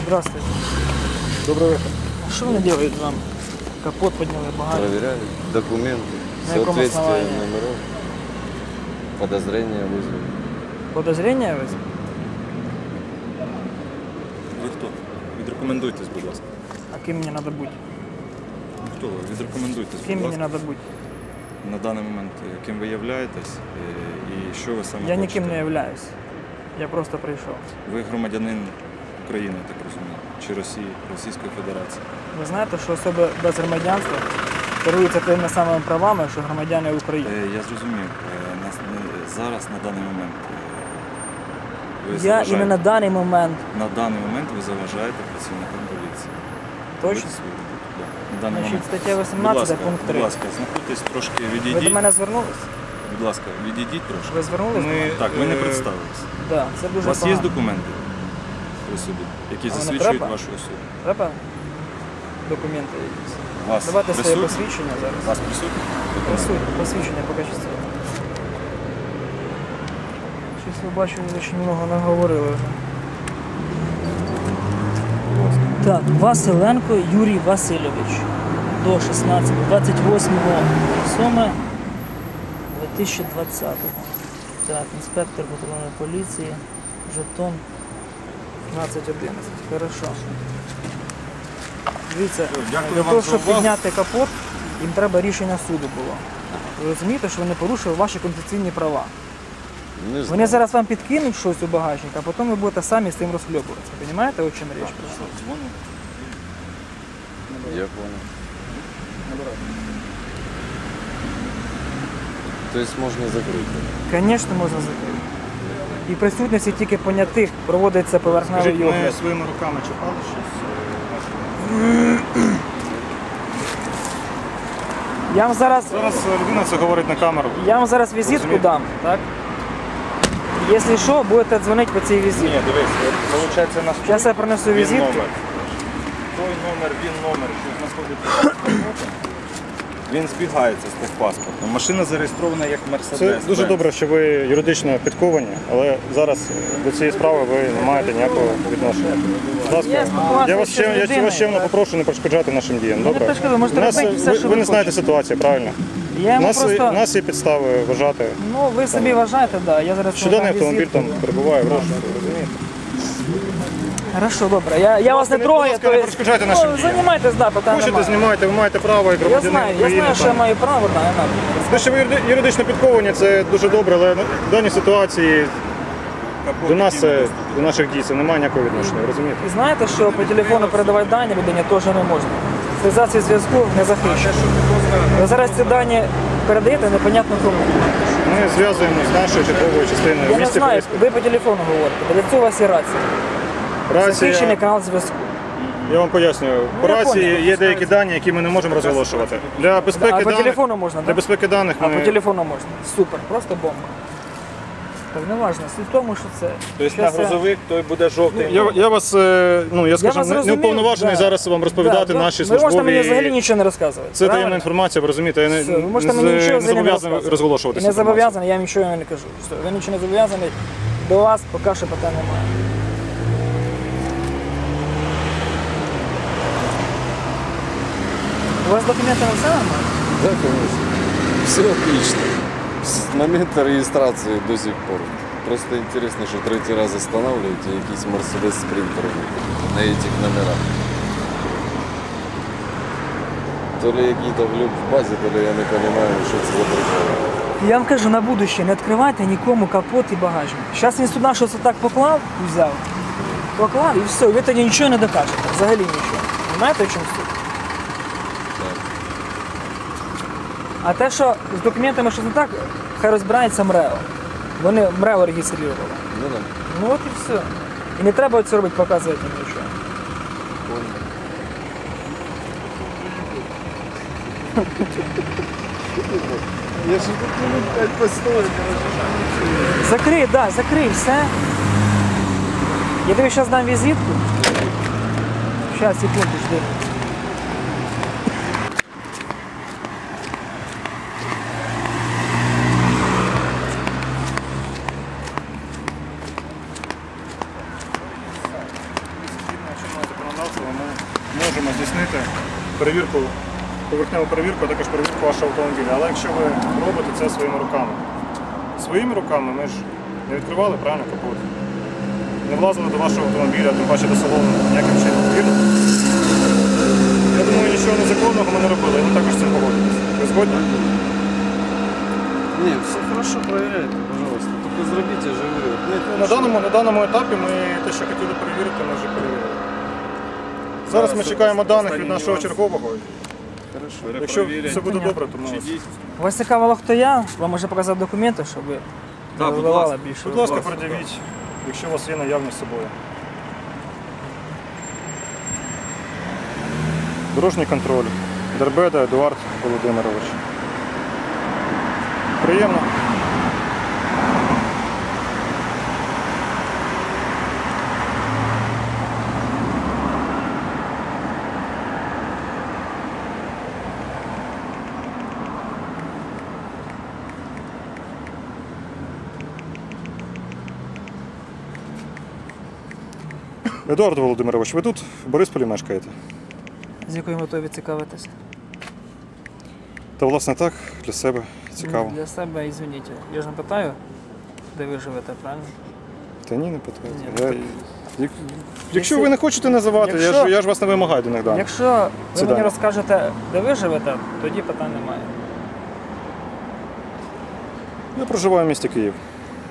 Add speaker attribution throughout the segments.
Speaker 1: Здравствуйте.
Speaker 2: Добрый вечер.
Speaker 1: Что они делают вам? Капот подняли, багажник.
Speaker 3: Проверяют документы,
Speaker 1: На каком
Speaker 3: соответствие
Speaker 1: основании?
Speaker 3: номеров, подозрения вызвали.
Speaker 1: Подозрения ви?
Speaker 2: Ви хто? Відрекомендуйтесь, будь ласка.
Speaker 1: А ким мені треба бути?
Speaker 2: Хто ви? Відрекомендуйтесь,
Speaker 1: Ким
Speaker 2: будь
Speaker 1: мені
Speaker 2: ласка.
Speaker 1: треба бути?
Speaker 2: На даний момент ким ви являєтесь і що ви саме
Speaker 1: Я
Speaker 2: хочете?
Speaker 1: ніким не являюсь. Я просто прийшов.
Speaker 2: Ви громадянин України, я так розумію, чи Росії, Російської Федерації.
Speaker 1: Ви знаєте, що особи без громадянства керуються тими самими правами, що громадяни України.
Speaker 2: Я зрозумів. Зараз, на даний момент, ви
Speaker 1: Я
Speaker 2: заважаєте.
Speaker 1: іменно на даний момент.
Speaker 2: На даний момент ви заважаєте працівникам поліції.
Speaker 1: Точно?
Speaker 2: Робити свою роботу, да. На даний
Speaker 1: Значить,
Speaker 2: момент.
Speaker 1: стаття
Speaker 2: Будь
Speaker 1: 18,
Speaker 2: ласка,
Speaker 1: пункт 3.
Speaker 2: будь ласка, знаходьтесь трошки,
Speaker 1: Ви
Speaker 2: відійдіть.
Speaker 1: до мене звернулись?
Speaker 2: Будь ласка, відійдіть трошки.
Speaker 1: Ви звернулись?
Speaker 2: Так, ви не представились.
Speaker 1: Так, це
Speaker 2: У
Speaker 1: дуже
Speaker 2: вас є
Speaker 1: погано.
Speaker 2: документи при собі, які
Speaker 1: А вони
Speaker 2: засвідчують
Speaker 1: треба?
Speaker 2: вашу особу?
Speaker 1: Треба документи якісь?
Speaker 2: У вас
Speaker 1: Давайте своє
Speaker 2: присутні?
Speaker 1: посвідчення
Speaker 2: У
Speaker 1: зараз.
Speaker 2: вас присутні?
Speaker 1: Присутні, посвідчення покажіть своє. Щось ви бачу, ви дуже много наговорили вже. Так, Василенко Юрій Васильович. До 28.07.2020. Так, інспектор патрульної поліції. Жетон 1511. Хорошо. Дивіться,
Speaker 2: Дякую
Speaker 1: для
Speaker 2: вам
Speaker 1: того,
Speaker 2: за
Speaker 1: щоб
Speaker 2: увагу.
Speaker 1: підняти капот, їм треба рішення суду було. Ви розумієте, що вони порушили ваші конституційні права.
Speaker 3: Не знаю.
Speaker 1: Вони зараз вам підкинуть щось у багажник, а потім ви будете самі з цим розхльобуватися. Розумієте, о чим річ?
Speaker 3: Я понял. То есть можно закрыть.
Speaker 1: Звісно, можна закрити. І в присутності тільки понятих проводиться поверхневий
Speaker 2: Скажіть, ми
Speaker 1: огляд.
Speaker 2: своїми руками чіпали щось?
Speaker 1: Я вам зараз
Speaker 2: Людина це говорить на камеру.
Speaker 1: візитку
Speaker 2: Розумієте?
Speaker 1: дам, так? Якщо що, будете дзвонити по цій візитці.
Speaker 2: Ні, дивись, виходить у нас
Speaker 1: Зараз я принесу
Speaker 2: він
Speaker 1: візитку.
Speaker 2: номер. Той номер, він номер, що знаходиться. Він збігається з техпаспортом. Машина зареєстрована як Мерседес.
Speaker 4: Це дуже добре, що ви юридично підковані, але зараз до цієї справи ви не маєте ніякого відношення. Будь ласка,
Speaker 1: Я спілкувався
Speaker 4: я вас
Speaker 1: ще з людиною,
Speaker 4: вас чемно
Speaker 1: так.
Speaker 4: попрошу не перешкоджати нашим діям. Добре?
Speaker 1: перешкоджу, можете робити все, що
Speaker 4: ви
Speaker 1: ви
Speaker 4: не знаєте
Speaker 1: хочете.
Speaker 4: ситуацію, правильно?
Speaker 1: Я
Speaker 4: У
Speaker 1: йому
Speaker 4: нас,
Speaker 1: просто...
Speaker 4: у нас є підстави вважати,
Speaker 1: Ну, ви собі вважаєте, да. Я зараз
Speaker 4: що
Speaker 1: вам
Speaker 4: даний
Speaker 1: дам
Speaker 4: автомобіль
Speaker 1: візитку.
Speaker 4: там перебуває в розшуку, розумієте?
Speaker 1: Хорошо, добре. Я вас не
Speaker 4: будь
Speaker 1: трогаю.
Speaker 4: ласка, не перешкоджайте нашим діям.
Speaker 1: Займайтесь, да, питань
Speaker 4: Хочете,
Speaker 1: немає.
Speaker 4: знімайте, ви маєте право як
Speaker 1: Я
Speaker 4: громадянин
Speaker 1: знаю,
Speaker 4: України.
Speaker 1: що я
Speaker 4: там.
Speaker 1: маю право, да, я надо.
Speaker 4: Те, що ви юридично підковані, це дуже добре, але в даній ситуації до нас, до наших дій, це немає ніякого відношення, ви розумієте?
Speaker 1: І знаєте, що по телефону передавати дані людині теж не можна. Зв'язатися зв'язку не захищено. Ви зараз ці дані передаєте непонятно кому.
Speaker 4: Ми зв'язуємося з нашою черговою частиною
Speaker 1: Я
Speaker 4: в
Speaker 1: не
Speaker 4: місті
Speaker 1: знаю,
Speaker 4: Бориспіль.
Speaker 1: ви по телефону говорите. Для цього у вас є рація. Захищений
Speaker 4: Рація,
Speaker 1: канал зв'язку.
Speaker 4: я вам пояснюю, по
Speaker 1: я
Speaker 4: рації
Speaker 1: понял.
Speaker 4: є деякі дані, які ми не можемо розголошувати. Для
Speaker 1: А
Speaker 4: безпеки
Speaker 1: по
Speaker 4: даних,
Speaker 1: телефону можна,
Speaker 4: для
Speaker 1: так?
Speaker 4: безпеки даних
Speaker 1: А по
Speaker 4: ми...
Speaker 1: телефону можна. Супер, просто бомба. Так не важливо. Суть в тому, що це.
Speaker 2: Тобто на
Speaker 1: Щас я-
Speaker 2: грузовик той буде жовтий.
Speaker 4: Я вас, я скажу,
Speaker 1: вас
Speaker 4: не
Speaker 1: зрозумів,
Speaker 4: уповноважений
Speaker 1: да.
Speaker 4: зараз вам розповідати
Speaker 1: Да,
Speaker 4: наші
Speaker 1: ви можете мені взагалі
Speaker 4: службові...
Speaker 1: нічого не розказувати.
Speaker 4: Це таємна
Speaker 1: правильно?
Speaker 4: інформація, ви розумієте, я
Speaker 1: Все, ви можете мені нічого
Speaker 4: не
Speaker 1: взагалі не
Speaker 4: зобов'язаний
Speaker 1: розказувати.
Speaker 4: розголошувати
Speaker 1: І
Speaker 4: цю
Speaker 1: не
Speaker 4: інформацію.
Speaker 1: зобов'язаний, я вам нічого не кажу. Все, ви нічого не зобов'язаний. До вас поки що питань немає. У вас документи на все нормально?
Speaker 3: Да, конечно. Все отлично. С момента регистрации до сих пор. Просто интересно, что третий раз останавливаете якийсь Mercedes Sprinter на этих номерах. То ли какие-то глюк в базе, то ли я не понимаю, что это за прикол.
Speaker 1: Я вам кажу, на будущее не відкривайте нікому капот і багажник. Зараз він сюди щось отак поклав, взяв, поклав і все, ви тоді нічого не докажете, взагалі нічого. Знаєте, в чому суть? А те, що з документами щось не так, хай розбирається МРЕО. Вони МРЕО реєстрували.
Speaker 3: Ну да.
Speaker 1: Ну от і все. І не треба це робити, показувати їм нічого.
Speaker 3: Я же тут минут 5 постою,
Speaker 1: Закрий, да, закрий, все. Я тобі зараз дам візитку. Зараз, секунду, жди.
Speaker 4: перевірку, поверхневу перевірку, а також перевірку вашого автомобіля. Але якщо ви робите це своїми руками. Своїми руками ми ж не відкривали правильно капот. Не влазили до вашого автомобіля, тим паче до салону ніяким чином. Вірно? Я думаю, нічого незаконного ми не робили, і ви також з цим погодитесь. Ви згодні?
Speaker 3: Нет, все хорошо, проверяйте, пожалуйста. Только зробите, я же говорю.
Speaker 4: На даному етапі ми те, що хотіли перевірити, ми вже перевірили. Зараз ми чекаємо даних від нашого чергового.
Speaker 3: Хорошо.
Speaker 4: Якщо все буде добре, то ми вас...
Speaker 1: Вас цікавило, хто я, вам може показати документи, щоб ви не
Speaker 2: будь
Speaker 1: виливали
Speaker 2: ласка.
Speaker 1: більше.
Speaker 4: Будь ласка, пред'явіть, якщо у вас є наявність з собою. Дорожній контроль. Дербеда Едуард Володимирович. Приємно. Едуард Володимирович, ви тут в Борисполі мешкаєте?
Speaker 1: З якою метою ви цікавитесь?
Speaker 4: Та власне так, для себе цікаво.
Speaker 1: Для себе, ізвиніть. Я ж не питаю, де ви живете, правильно?
Speaker 4: Та ні, не питайте.
Speaker 1: Ні.
Speaker 4: Якщо ви не хочете називати,
Speaker 1: Якщо-
Speaker 4: я ж вас не вимагаю до них даних.
Speaker 1: Якщо ви
Speaker 4: Це
Speaker 1: мені
Speaker 4: да.
Speaker 1: розкажете, де ви живете, тоді питань немає.
Speaker 4: Я проживаю в місті Київ.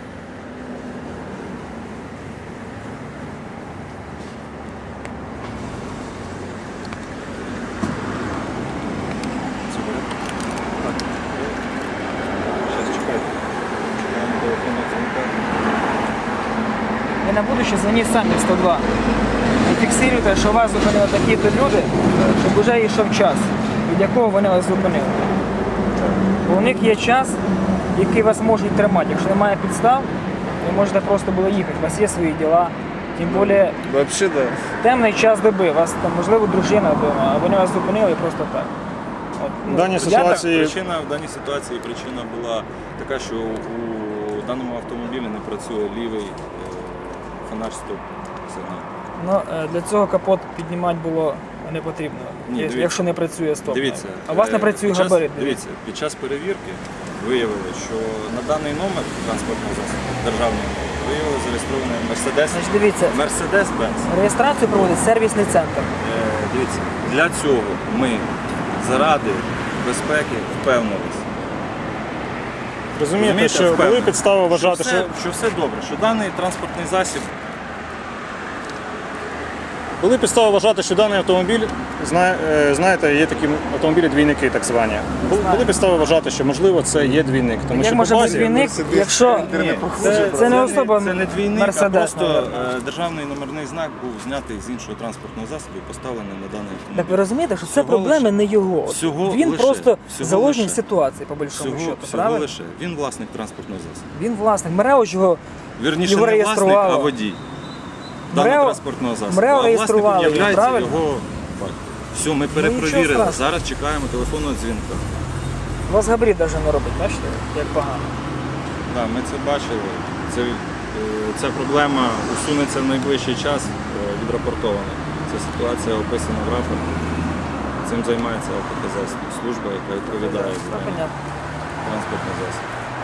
Speaker 2: Зараз чекайте. Чекаємо телефонного дзвінка.
Speaker 1: Ви на будущее дзвоніть самі в 102. І фіксуйте, що вас зупинили такі-то люди, щоб вже йшов час, від якого вони вас зупинили. Бо у них є час, який вас можуть тримати. Якщо немає підстав, ви можете просто було їхати. У вас є свої діла. Тим більше
Speaker 3: Вообще да.
Speaker 1: темний час доби, у вас там, можливо, дружина вдома, а вони вас зупинили просто так. От,
Speaker 4: В даній
Speaker 1: я
Speaker 4: ситуації
Speaker 2: В даній ситуації причина була така, що у даному автомобілі не працює лівий фонар стоп сигнал.
Speaker 1: Для цього капот піднімати було не потрібно,
Speaker 2: Ні, дивіться.
Speaker 1: якщо не працює стоп.
Speaker 2: Дивіться,
Speaker 1: А у вас не працює
Speaker 2: під час-
Speaker 1: габарит.
Speaker 2: Дивіться, під час перевірки виявили, що на даний номер транспортного засобу, державний номер, виявили зареєстрований Mercedes.
Speaker 1: Значить, дивіться,
Speaker 2: Mercedes-Benz.
Speaker 1: реєстрацію проводить сервісний центр.
Speaker 2: Дивіться, для цього ми заради безпеки впевнилися.
Speaker 4: розумієте, що
Speaker 2: впевнений,
Speaker 4: були підстави вважати,
Speaker 2: що все добре, що даний транспортний засіб
Speaker 4: були підстави вважати, що даний автомобіль, знаєте, є такі автомобілі-двійники, так звані. Були підстави вважати, що можливо це є двійник. Тому
Speaker 1: Як
Speaker 4: що
Speaker 1: може
Speaker 4: по
Speaker 1: бути
Speaker 4: базі
Speaker 1: двійник, якщо це не особа
Speaker 2: це не двійник, а
Speaker 1: Мерседес,
Speaker 2: просто державний номерний знак був знятий з іншого транспортного засобу і поставлений на даний автомобіль.
Speaker 1: так ви розумієте, що це
Speaker 2: Всього
Speaker 1: проблеми
Speaker 2: лише.
Speaker 1: не його.
Speaker 2: Всього
Speaker 1: Він
Speaker 2: лише.
Speaker 1: просто
Speaker 2: Всього
Speaker 1: заложник
Speaker 2: лише.
Speaker 1: ситуації, по большому
Speaker 2: Всього
Speaker 1: счету, правильно?
Speaker 2: лише. Він власник транспортного засобу.
Speaker 1: Він власник. МРЕО ж його
Speaker 2: Вірніше,
Speaker 1: Його
Speaker 2: не власник,
Speaker 1: реєструвало.
Speaker 2: а водій даного
Speaker 1: МРЕО
Speaker 2: транспортного засобу.
Speaker 1: МРЕО
Speaker 2: А
Speaker 1: реєструвало
Speaker 2: власником
Speaker 1: його,
Speaker 2: являється
Speaker 1: правильно?
Speaker 2: його батько. Все, ми
Speaker 1: нічого
Speaker 2: перепровірили.
Speaker 1: страшного.
Speaker 2: Зараз чекаємо телефонного дзвінка.
Speaker 1: у вас габарит навіть не робить, бачите, як погано.
Speaker 2: Так, ми це бачили. Ця проблема усунеться в найближчий час, відрапортована. Ця ситуація описана в рапорті. Цим займається АПКЗ, служба, яка відповідає за
Speaker 1: Так, понятно.
Speaker 2: транспортний засіб.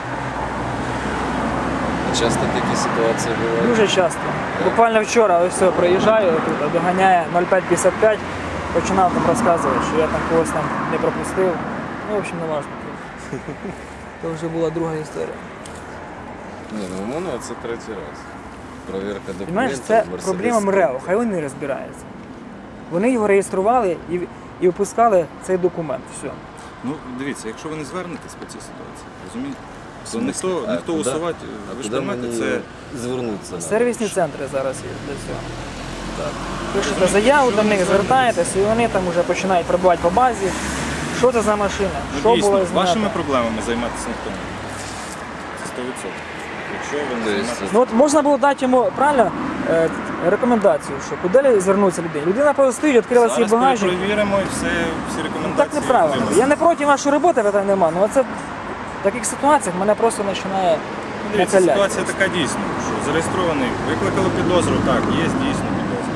Speaker 3: Часто такі ситуації бувають.
Speaker 1: Дуже часто. Буквально вчора ось все, проїжджаю, тут доганяє 0555, починав там розказувати, що я там когось там не пропустив. Ну, в общем, не важливо. Це вже була друга історія.
Speaker 3: Ні, ну у мене це третій раз. Провірка документів.
Speaker 1: Понимаєш, це
Speaker 3: Mercedes
Speaker 1: проблема
Speaker 3: Sprinter.
Speaker 1: МРЕО, хай вони розбираються. Вони його реєстрували і випускали цей документ. Все.
Speaker 2: Ну, дивіться, якщо ви не звернетесь по цій ситуації, розумієте? То
Speaker 3: смислі?
Speaker 2: ніхто
Speaker 3: куди?
Speaker 2: усувати, ви ж
Speaker 3: Куди
Speaker 2: розумієте,
Speaker 3: мені
Speaker 2: це
Speaker 3: звернутися?
Speaker 1: Сервісні центри зараз є для цього. Так. Пишете заяву до них, звертаєтесь, і вони там вже починають пробувати по базі. Що це за машина?
Speaker 2: ну,
Speaker 1: Що
Speaker 2: дійсно,
Speaker 1: було знято?
Speaker 2: вашими проблемами займатися ніхто не буде. Це 100%. Якщо ви не
Speaker 3: То есть,
Speaker 2: займаєтесь...
Speaker 1: Ну от можна було дати йому правильно рекомендацію, що куди звернутися людині. Людина просто стоїть, відкрила свій
Speaker 2: Зараз
Speaker 1: багажник.
Speaker 2: перевіримо і всі
Speaker 1: Ну,
Speaker 2: рекомендації.
Speaker 1: так неправильно.
Speaker 2: отримаємо.
Speaker 1: Я не проти вашої роботи, питань нема. Ну це в таких ситуаціях мене просто починає
Speaker 2: Дивіться,
Speaker 1: накаляти.
Speaker 2: ситуація така дійсно, що зареєстрований, викликали підозру, так, є дійсно підозра.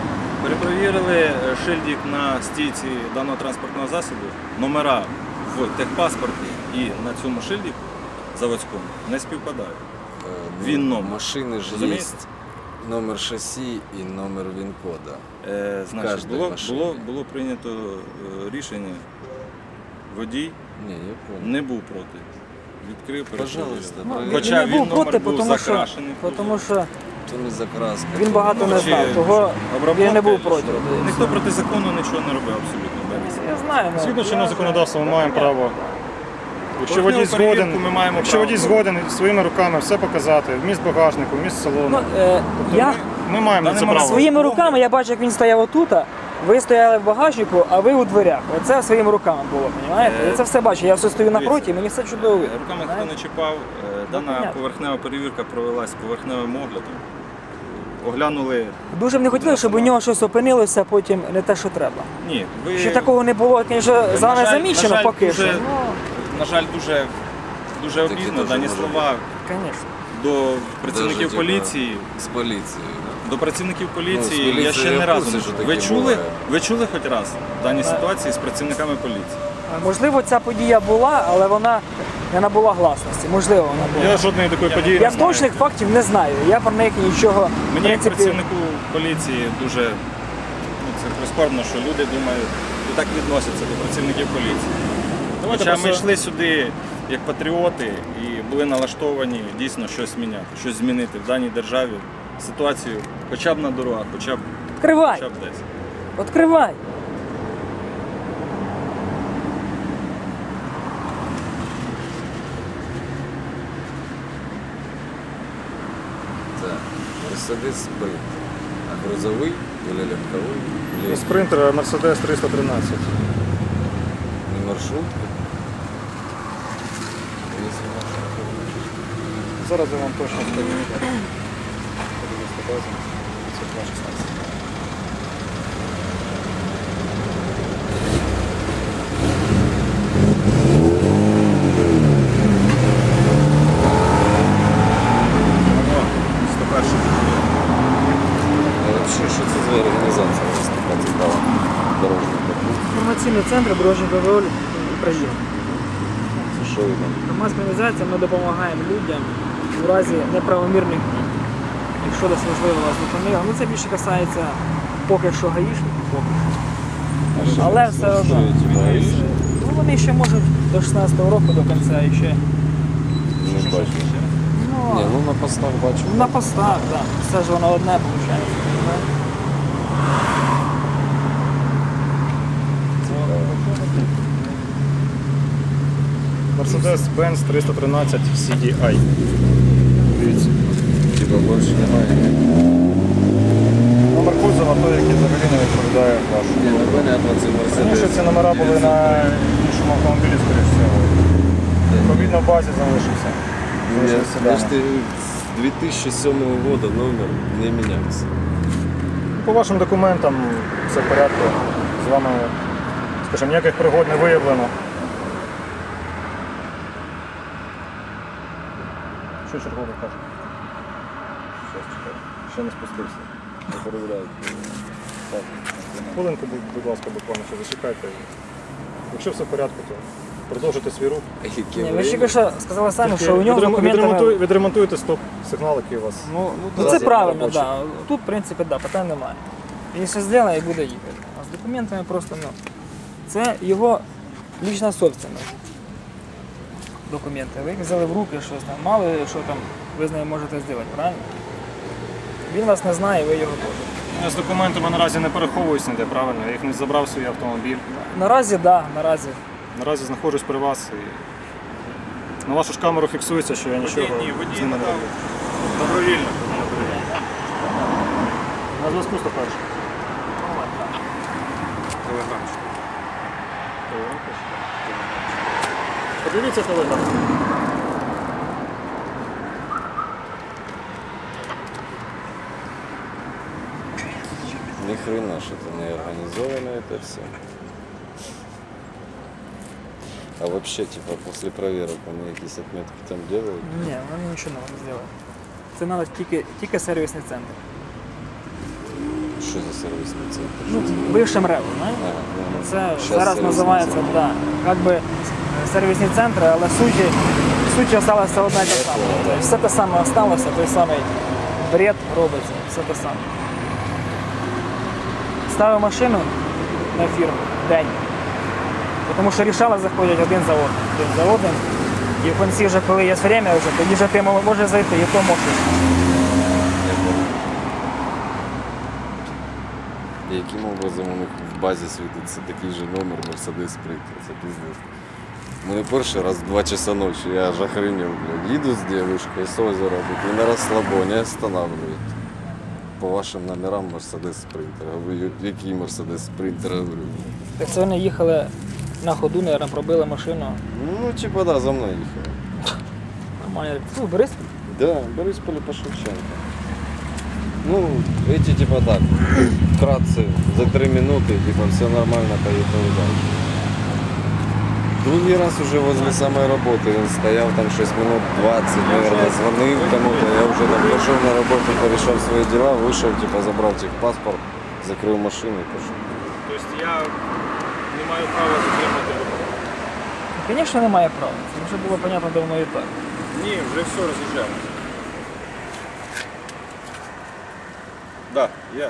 Speaker 2: Перепровірили шильдик на стійці даного транспортного засобу, номера в техпаспорті і на цьому шильдику заводському не співпадають. Він номер.
Speaker 3: Машины же
Speaker 2: Разумеете?
Speaker 3: есть номер шасси и номер ВИН-кода.
Speaker 2: Значить,
Speaker 3: кожній машині.
Speaker 2: було прийнято рішення, водій
Speaker 3: Не, я понял.
Speaker 2: не був проти. Відкрив,
Speaker 3: Пожалуйста,
Speaker 2: перепровірив.
Speaker 3: проверь.
Speaker 2: Хоча
Speaker 1: він не був
Speaker 2: номер
Speaker 1: проти,
Speaker 2: був
Speaker 1: тому що,
Speaker 2: закрашений.
Speaker 1: тому що
Speaker 3: То не закраска.
Speaker 1: він багато не
Speaker 2: Чи
Speaker 1: знав, того він не був
Speaker 2: обробка,
Speaker 1: проти.
Speaker 2: що? Ніхто проти закону нічого не робив абсолютно.
Speaker 1: Я знаю. ну,
Speaker 4: Згідно
Speaker 1: я
Speaker 4: чинного
Speaker 1: знаю.
Speaker 4: законодавства ми маємо право. Якщо водій
Speaker 2: Кожну перевірку
Speaker 4: згоден,
Speaker 2: ми маємо
Speaker 4: якщо
Speaker 2: право.
Speaker 4: водій згоден своїми руками все показати, вміст багажнику, вміст салону,
Speaker 1: Ну,
Speaker 4: то
Speaker 1: я
Speaker 4: ми маємо на це право.
Speaker 1: своїми руками я бачу, як він стояв отут, ви стояли в багажнику, а ви у дверях. Оце своїми руками було, розумієте? Я це все бачу, я все стою напроти, мені все чудово видно.
Speaker 2: Руками ніхто
Speaker 1: знаєте?
Speaker 2: не чіпав. Дана
Speaker 1: понятно.
Speaker 2: поверхнева перевірка провелась поверхневим оглядом. Оглянули.
Speaker 1: Дуже б не хотіли, щоб у нього щось опинилося, потім не те, що треба.
Speaker 2: Ні, ви
Speaker 1: Ще такого не було, звісно, за нами замічено
Speaker 2: на жаль,
Speaker 1: поки
Speaker 2: дуже,
Speaker 1: що.
Speaker 2: На жаль, дуже обідно
Speaker 3: дуже
Speaker 2: дані
Speaker 3: може
Speaker 2: слова
Speaker 1: Звісно.
Speaker 2: до працівників
Speaker 3: Даже, типа,
Speaker 2: поліції.
Speaker 3: С полицией. Да.
Speaker 2: До працівників
Speaker 3: Ну,
Speaker 2: поліції
Speaker 3: з поліцією
Speaker 2: я ще
Speaker 3: я
Speaker 2: не
Speaker 3: в
Speaker 2: разу
Speaker 3: курсі,
Speaker 2: не
Speaker 3: що
Speaker 2: чув.
Speaker 3: таке буває.
Speaker 2: Ви чули хоч раз в даній ситуації з працівниками поліції?
Speaker 1: Можливо, ця подія була, але вона не набула гласності. Можливо, вона була.
Speaker 4: Я жодної такої події
Speaker 1: Я
Speaker 4: не знаю.
Speaker 1: точних фактів не знаю. Я про них нічого в
Speaker 2: Мені як
Speaker 1: принципі,
Speaker 2: працівнику поліції дуже це прискорбно, що люди думають і так відносяться до працівників поліції.
Speaker 4: Давайте
Speaker 2: Хоча ми
Speaker 4: просто-
Speaker 2: йшли сюди як патріоти і були налаштовані дійсно щось міняти, щось змінити в даній державі, ситуацію хоча б на дорогах, хоча
Speaker 1: Відкривай!
Speaker 2: б десь.
Speaker 1: Відкривай!
Speaker 3: Так. Мерседес Спринт. А грузовый или легковой? Или
Speaker 4: Спринтер Mercedes 313.
Speaker 3: не маршрутка? Если маршрутка.
Speaker 4: Зараз я вам точно скажу.
Speaker 3: А вообще, что это за организация у вас така цікава? Дорожника.
Speaker 1: Інформаційний центр дорожнього контролю України.
Speaker 3: Що ви там?
Speaker 1: Громадська організація, ми допомагаємо людям у разі неправомірних дій. Якщо десь можливо вас зупинили. Ну це більше касається поки що гаїшників, поки що. Але все одно. Ну, вони ще можуть до 16-го року до кінця і ще.
Speaker 3: Не бачу.
Speaker 1: Ну,
Speaker 3: Ні, ну на постах бачу.
Speaker 1: на постах, так. Все ж воно одне виходить.
Speaker 4: Mercedes-Benz 313 CDI. Дивіться.
Speaker 3: Типа більше немає.
Speaker 4: Номер кузова той, який взагалі не відповідає вашому.
Speaker 3: Ні, ну понятно, це
Speaker 4: Раніше
Speaker 3: Мерседес.
Speaker 4: ці номера були на іншому автомобілі, скоріш всього. Відповідно, в базі залишився. Залишився
Speaker 3: Я ж
Speaker 4: дані.
Speaker 3: з 2007 года номер не мінявся.
Speaker 4: По вашим документам все в порядку. З вами, скажімо, ніяких пригод не виявлено. Що черговий каже? Щас чекай. Ще не спустився. Не перевіряють. Так. Хвилинку, будь ласка, буквально ще зачекайте. Якщо все в порядку, то продовжуйте свій рух.
Speaker 1: Ні, ви ж тільки що сказали самі, що у нього з документами...
Speaker 4: Відремонтуйте стоп-сигнал, який у вас.
Speaker 1: Ну
Speaker 4: Зараз
Speaker 1: це
Speaker 4: я
Speaker 1: правильно,
Speaker 4: побачу.
Speaker 1: так. Да. Тут, в принципі, да, питань немає. Він все зробить і буде їхати. А з документами просто, ну, це його лічна собственность. Документи. Ви їх взяли в руки, щось там, мало ли, що там ви з нею можете зробити, правильно? Він вас не знає, ви його теж.
Speaker 4: Я з документами наразі не переховуюсь ніде, правильно? Я їх не забрав в свій автомобіль.
Speaker 1: Наразі, так, да, наразі.
Speaker 4: Наразі знаходжусь при вас і на вашу ж камеру фіксується, що я нічого
Speaker 2: Водій
Speaker 4: з ними не
Speaker 2: надав
Speaker 4: роблю.
Speaker 2: добровільно.
Speaker 4: На зв'язку 101. Подивіться телеграм.
Speaker 3: Ни хрена что-то не организовано это все. А вообще, типа, после проверок они какие-то отметки там делают?
Speaker 1: Ні, вони нічого не зробили. Це навіть тільки сервісний центр.
Speaker 3: Що за сервісний центр?
Speaker 1: Ну, бившим РЕВ, знаєте? Це
Speaker 3: Щас
Speaker 1: зараз
Speaker 3: сервісний
Speaker 1: називається,
Speaker 3: центр.
Speaker 1: да, як би сервісні центри, але суть залишилася одна і та сама. Тобто все те саме залишилося, той самий бред робиться, все те саме. Ставив машину на фірму день, тому що рішали заходять один за одним. І в кінці вже, коли є время, вже, тоді вже ти можеш зайти, і то можеш.
Speaker 3: Яким образом у них в базі світиться такий же номер Mercedes Sprinter? Це пиздец. Мене перший раз в 2 часа ночі, я аж охренел, блядь. Їду з дівчинкою з озера, і на розслабоні останавливають. По вашим номерам Mercedes Sprinter. Я говорю, який Mercedes Sprinter? Я говорю,
Speaker 1: Так це вони їхали на ходу, мабуть, пробили машину.
Speaker 3: ну, типа, да, за мною їхали.
Speaker 1: Нормально. Ну, Борис,
Speaker 3: Да, Борисполь по Шевченко. Ну, эти типа так, вкратце, за 3 минуты, типа, все нормально, поехали дальше. Другий раз уже возле самой работы, он стоял там 6 минут 20, наверное, звонил кому-то, я уже там пошел на работу, порешал свои дела, вышел, типа, забрал техпаспорт, закрыл машину и пошел.
Speaker 2: Тобто я не маю права затримати руку.
Speaker 1: звісно, немає права. Це вже було зрозуміло давно і так.
Speaker 2: Ні, вже все роз'їжджаємо. Так, є.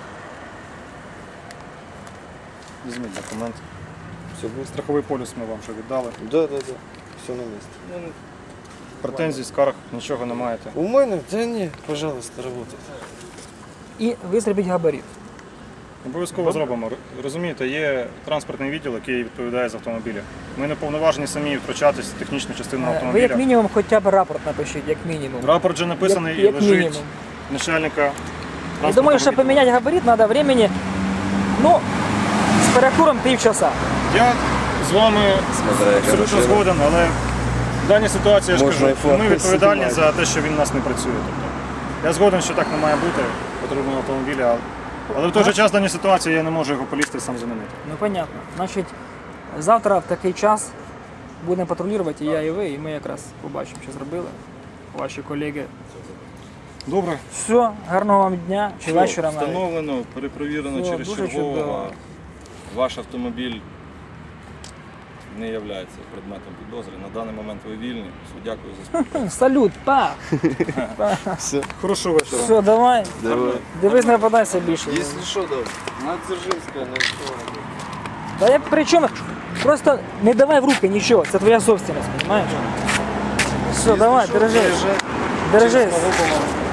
Speaker 4: Візьміть документ.
Speaker 3: Все будет?
Speaker 4: Страховий полюс ми вам вже віддали.
Speaker 3: Да, да, да, все на месте.
Speaker 4: Претензій, скарг, нічого не маєте.
Speaker 3: У мене? Да не, пожалуйста, работайте.
Speaker 1: І ви зробіть габарит.
Speaker 4: Обов'язково зробимо. Розумієте, є транспортний відділ, який відповідає за автомобілі. Ми не повноважені самі втручатись в технічну частину
Speaker 1: Ви як
Speaker 4: автомобіля.
Speaker 1: мінімум хоча б рапорт напишіть, як мінімум.
Speaker 4: Рапорт вже написаний
Speaker 1: Як
Speaker 4: і лежить
Speaker 1: мінімум.
Speaker 4: начальника.
Speaker 1: Я думаю,
Speaker 4: транспортного
Speaker 1: що
Speaker 4: відділу.
Speaker 1: поміняти габарит треба времени, ну, з перекуром півчаса.
Speaker 4: Я з вами
Speaker 3: Смотря яка
Speaker 4: абсолютно
Speaker 3: машина.
Speaker 4: згоден, але в даній ситуації я ж
Speaker 3: Можна
Speaker 4: кажу,
Speaker 3: і фото
Speaker 4: ми відповідальні
Speaker 3: знімати.
Speaker 4: за те, що він у нас не працює. Тобто, я згоден, що так не має бути потрібного автомобіля, але в той же час в даній ситуації я не можу його полізти і сам замінити.
Speaker 1: Ну, понятно. Значить, завтра в такий час будемо патрулювати і я, і ви, і ми якраз побачимо, що зробили ваші колеги.
Speaker 4: Добре.
Speaker 1: Все, гарного вам дня чи
Speaker 2: Все,
Speaker 1: вечора навіть.
Speaker 2: встановлено, перепровірено
Speaker 1: Все,
Speaker 2: через
Speaker 1: дуже
Speaker 2: чергового.
Speaker 1: чудово.
Speaker 2: Ваш автомобіль не є предметом підозри. На даний момент ви вільні. Все, дякую за спілкування.
Speaker 1: Салют, па!
Speaker 3: Все,
Speaker 4: Хорошого вечора.
Speaker 1: Все, давай.
Speaker 3: давай.
Speaker 1: Дивись, не попадайся більше.
Speaker 3: Если что, да, на Дзержинская, на что?
Speaker 1: Та я при чому? Просто не давай в руки нічого, це твоя собственность, розумієш? Все, давай, держись. Держись.